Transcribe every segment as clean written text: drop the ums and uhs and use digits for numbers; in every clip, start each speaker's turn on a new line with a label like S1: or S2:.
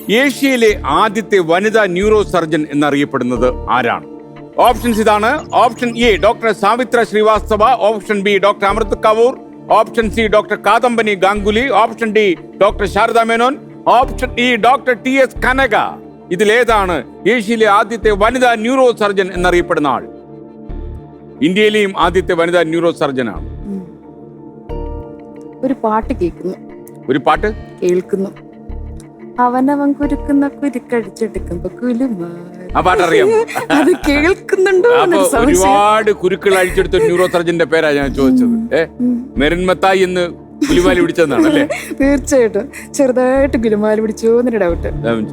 S1: ഏഷ്യയിലെ ആദ്യത്തെ വനിതാ ന്യൂറോ സർജൻ എന്നറിയപ്പെടുന്നത് ആരാണ്? ഓപ്ഷൻസ് ഇതാണ്. Option A doctor Savitra Srivastava, option B doctor Amrit Kapoor, option C doctor Kadambini Ganguly, option D doctor Sharada Menon, option E doctor TS Kanaka. ഇതിലേതാണ് ഏഷ്യയിലെ ആദ്യത്തെ വനിതാ ന്യൂറോ സർജൻ എന്നറിയപ്പെടുന്ന ആൾ? ഇന്ത്യയിലെയും ആദ്യത്തെ വനിതാ ന്യൂറോ സർജനാണ്.
S2: ഒരു പാട്ട് കേൾക്കുന്നു.
S1: ഒരു പാട്ട്
S2: കേൾക്കുന്നു. അവനവൻ കുരുക്കുന്ന കുരുക്കടിച്ചെടുക്കുമ്പോ
S1: ആ പാട്ട് അറിയാം.
S2: അത് കേൾക്കുന്നുണ്ടോ?
S1: ഒരുപാട് കുരുക്കൾ അഴിച്ചെടുത്ത ന്യൂറോ സർജന്റെ പേരാ ഞാൻ ചോദിച്ചത്. മെറിൻ മത്തായി എന്ന് ഗുലുമാലി പിടിച്ചെന്നാണ് അല്ലേ?
S2: തീർച്ചയായിട്ടും ചെറുതായിട്ട് ഗുലുമാലി പിടിച്ചോ എന്നൊരു ഡൗട്ട്.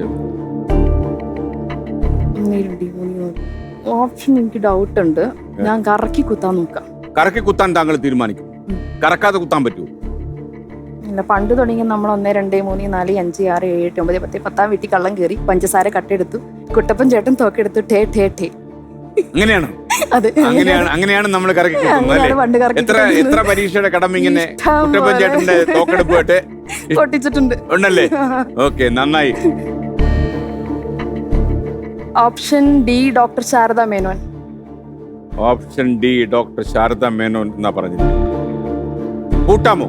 S2: ഓപ്ഷൻ എനിക്ക് ഡൗട്ട് ഉണ്ട്. ഞാൻ കറക്കി കുത്താൻ നോക്കാം.
S1: കറക്കി കുത്താൻ താങ്കൾ തീരുമാനിക്കും? കറക്കാതെ കുത്താൻ പറ്റുമോ?
S2: ഇല്ല, പണ്ട് തുടങ്ങി നമ്മൾ 1, 2, 3, 4, 5, 6, 7, 8, 9, 10, 10 വീട്ടിൽ കള്ളം കയറി പഞ്ചസാര കട്ടെടുത്തു, കുട്ടപ്പൻ ചേട്ടൻ തോക്കെടുത്തു, ടേ ടേ ടേ.
S1: അങ്ങനെയാണ്.
S2: അതെ,
S1: അങ്ങനെയാണ് നമ്മൾ കറക്കി കുത്തുന്നത്. എത്ര പരീക്ഷയുടെ കടമ ഇങ്ങനെ കുട്ടപ്പൻ ചേട്ടന്റെ തോക്കെടുപ്പ്
S2: പൊട്ടിച്ചിട്ടുണ്ട്
S1: ഉണ്ടല്ലേ? ഓക്കെ, നന്നായി.
S2: Option D doctor Sharada Menon.
S1: Option D doctor Sharada Menon എന്നാ പറഞ്ഞത്. കൂട്ടാമോ?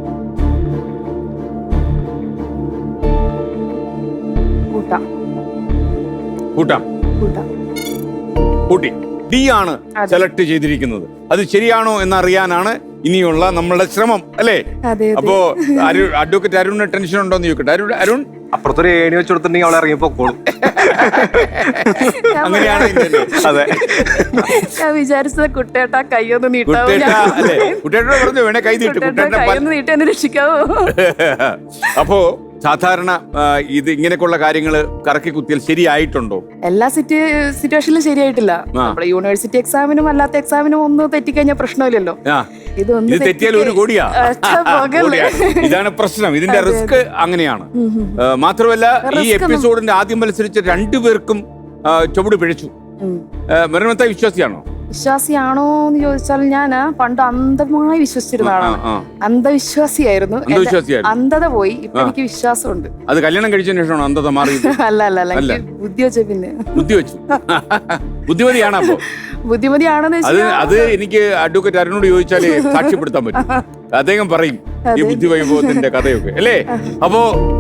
S1: കൂട്ടാം. കൂട്ടി. ഡി ആണ് സെലക്ട് ചെയ്തിരിക്കുന്നത്. അത് ശരിയാണോ എന്നറിയാനാണ് ഇനിയുള്ള നമ്മളുടെ ശ്രമം, അല്ലേ? അപ്പോ അഡ്വക്കേറ്റ് അരുണിന് ടെൻഷൻ ഉണ്ടോ എന്ന് ചോദിക്കട്ടെ. അരുൺ,
S3: അപ്പുറത്തൊരു ഏണി വെച്ച് കൊടുത്തിട്ടുണ്ടെങ്കിൽ അവളെ ഇറങ്ങിപ്പോക്കോളും.
S1: അങ്ങനെയാണ്.
S3: അതെ,
S2: ഞാൻ വിചാരിച്ചത് കുട്ടേട്ടാ കൈയൊന്ന് നീട്ടാവോ?
S1: കുട്ടേട്ടോട് പറഞ്ഞു വേണേ കൈ
S2: നീട്ടി രക്ഷിക്കാവോ?
S1: അപ്പോ സാധാരണ ഇത് ഇങ്ങനെയൊക്കെയുള്ള കാര്യങ്ങൾ കറക്കി കുത്തിയാൽ ശരിയായിട്ടുണ്ടോ?
S2: എല്ലാ സിറ്റുവേഷനിലും ശരിയായിട്ടില്ല. നമ്മുടെ യൂണിവേഴ്സിറ്റി എക്സാമിനും അല്ലാത്ത എക്സാമിനും ഒന്ന് തെറ്റിക്കഴിഞ്ഞാൽ പ്രശ്നമില്ലല്ലോ.
S1: ഇത് തെറ്റിയാൽ 1 കോടിയാ. ഇതാണ് പ്രശ്നം. ഇതിന്റെ റിസ്ക് അങ്ങനെയാണ്. മാത്രമല്ല ഈ എപ്പിസോഡിന്റെ ആദ്യം മത്സരിച്ച 2 പേർക്കും ചുവട് പിഴച്ചു. മെറിൻ വിശ്വാസിയാണോ?
S2: വിശ്വാസിയാണോ എന്ന് ചോദിച്ചാൽ ഞാൻ പണ്ട് അന്ധമായി വിശ്വസിച്ചിരുന്ന ആളാണ്. അന്ധവിശ്വാസിയായിരുന്നു. അന്ധത പോയി. ഇപ്പൊ എനിക്ക് വിശ്വാസമുണ്ട്.
S1: അത് കല്യാണം കഴിച്ചതിന് ശേഷമാണോ അന്ധത മാറി?
S2: അല്ല, ബുദ്ധി വെച്ച പിന്നെ
S1: ബുദ്ധി വെച്ചു. ബുദ്ധിമതിയാണോ? അപ്പോ
S2: ബുദ്ധിമതിയാണെന്ന്
S1: അത് എനിക്ക് അഡ്വക്കേറ്റ് അരുണോട് ചോദിച്ചാലേ സാക്ഷ്യപ്പെടുത്താൻ പറ്റും. അദ്ദേഹം പറയും ഈ ബുദ്ധി വൈഭവത്തിന്റെ കഥയൊക്കെ, അല്ലേ? അപ്പോ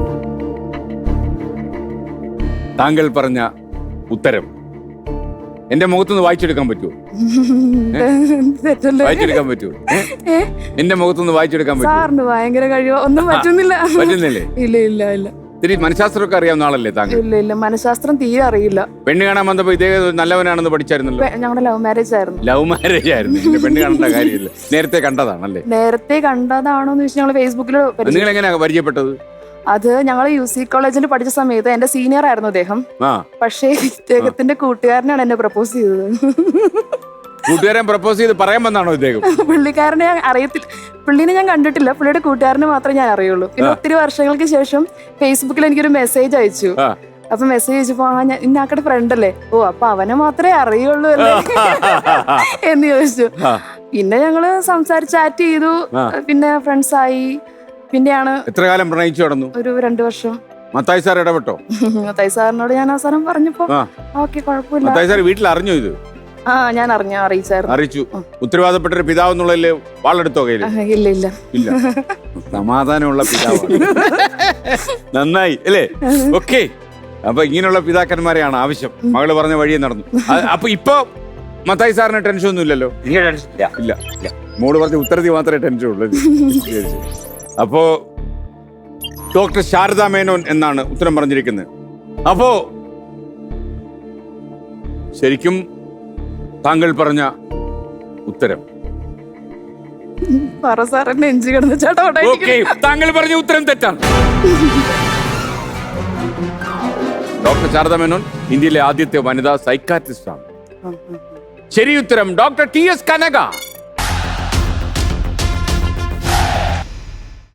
S1: താങ്കൾ പറഞ്ഞ ഉത്തരം എന്റെ മുഖത്തുനിന്ന് വായിച്ചെടുക്കാൻ പറ്റുമോ? വായിച്ചെടുക്കാൻ പറ്റുമോ? എന്റെ മുഖത്തുനിന്ന് വായിച്ചെടുക്കാൻ പറ്റുമോ?
S2: ഭയങ്കര കഴിവോ? ഒന്നും പറ്റുന്നില്ലേ? ഇല്ല.
S1: ഇത്തിരി മനഃശാസ്ത്രമൊക്കെ അറിയാവുന്ന ആളല്ലേ താങ്കൾ?
S2: ഇല്ല, മനഃശാസ്ത്രം തീരെ അറിയില്ല.
S1: പെണ്ണ് കാണാൻ വന്നപ്പോ ഇതേ നല്ലവനാണെന്ന് പഠിച്ചായിരുന്നല്ലോ.
S2: ഞങ്ങളുടെ ലവ് മാരേജ് ആയിരുന്നു.
S1: പെണ്ണ് കാണേണ്ട കാര്യമില്ല. നേരത്തെ കണ്ടതാണല്ലേ?
S2: നേരത്തെ കണ്ടതാണോന്ന് ചോദിച്ചാൽ ഞങ്ങൾ ഫേസ്ബുക്കിൽ.
S1: നിങ്ങൾ എങ്ങനെയാ പരിചയപ്പെട്ടത്?
S2: അത് ഞങ്ങൾ UC കോളേജിൽ പഠിച്ച സമയത്ത് എന്റെ സീനിയർ ആയിരുന്നു അദ്ദേഹം. പക്ഷേ ഇദ്ദേഹത്തിന്റെ കൂട്ടുകാരനാണ് എന്നെ പ്രപ്പോസ് ചെയ്തത്.
S1: കൂട്ടുകാരൻ പ്രപ്പോസ് ചെയ്ത് പറയാൻ വന്നാണോ ഇദ്ദേഹം?
S2: പുള്ളിക്കാരനെ ഞാൻ അറിയത്തില്ല, പുള്ളിനെ ഞാൻ കണ്ടിട്ടില്ല. പുള്ളിയുടെ കൂട്ടുകാരനെ മാത്രമേ ഞാൻ അറിയുള്ളൂ. പിന്നെ ഒത്തിരി വർഷങ്ങൾക്ക് ശേഷം ഫേസ്ബുക്കിൽ എനിക്കൊരു മെസ്സേജ് അയച്ചു. അപ്പൊ മെസ്സേജ് അയച്ചപ്പോ ഇന്നാക്കടെ ഫ്രണ്ട് അല്ലേ, ഓ അപ്പൊ അവനെ മാത്രമേ അറിയുള്ളൂ അല്ലേ എന്ന് ചോദിച്ചു. പിന്നെ ഞങ്ങള് സംസാരിച്ച് ചാറ്റ് ചെയ്തു. പിന്നെ ഫ്രണ്ട്സ് ആയി. പിന്നെയാണ്.
S1: എത്ര കാലം പ്രണയിച്ചു നടന്നു?
S2: ഒരു 2 വർഷം.
S1: മത്തായി സാർ ഇടപെട്ടോ?
S2: മത്തായി സാറിനോട് ഞാൻ അവസാനം പറഞ്ഞപ്പോ ഓക്കെ കുഴപ്പമില്ല.
S1: മത്തായി സാർ വീട്ടിൽ അറിഞ്ഞോ ഇത്?
S2: ഞാൻ അറിയിച്ചു.
S1: ഉത്തരവാദപ്പെട്ട ഒരു പിതാവ് എന്നുള്ളതില് വാളെടുത്തോ കയ്യില്?
S2: ഇല്ല.
S1: സമാധാനമുള്ള പിതാവ്. നന്നായി അല്ലേ? ഓക്കെ. അപ്പൊ ഇങ്ങനെയുള്ള പിതാക്കന്മാരെയാണ് ആവശ്യം. മകള് പറഞ്ഞ വഴിയെ നടന്നു. അപ്പൊ ഇപ്പൊ മത്തായി സാറിന് ടെൻഷൻ ഒന്നും ഇല്ലല്ലോ? ഇല്ല. മോള് പറഞ്ഞ ഉത്തരത്തിൽ മാത്രമേ ടെൻഷൻ ഉള്ളൂ. അപ്പോ ഡോക്ടർ ശാരദ മേനോൻ എന്നാണ് ഉത്തരം പറഞ്ഞിരിക്കുന്നത്. അപ്പോ ശരിക്കും താങ്കൾ പറഞ്ഞ ഉത്തരം താങ്കൾ പറഞ്ഞ ഉത്തരം തെറ്റാണ്. ഡോക്ടർ ശാരദ മേനോൻ ഇന്ത്യയിലെ ആദ്യത്തെ വനിതാ സൈക്കാട്രിസ്റ്റ് ആണ്. ശരി ഉത്തരം ഡോക്ടർ TS കനക.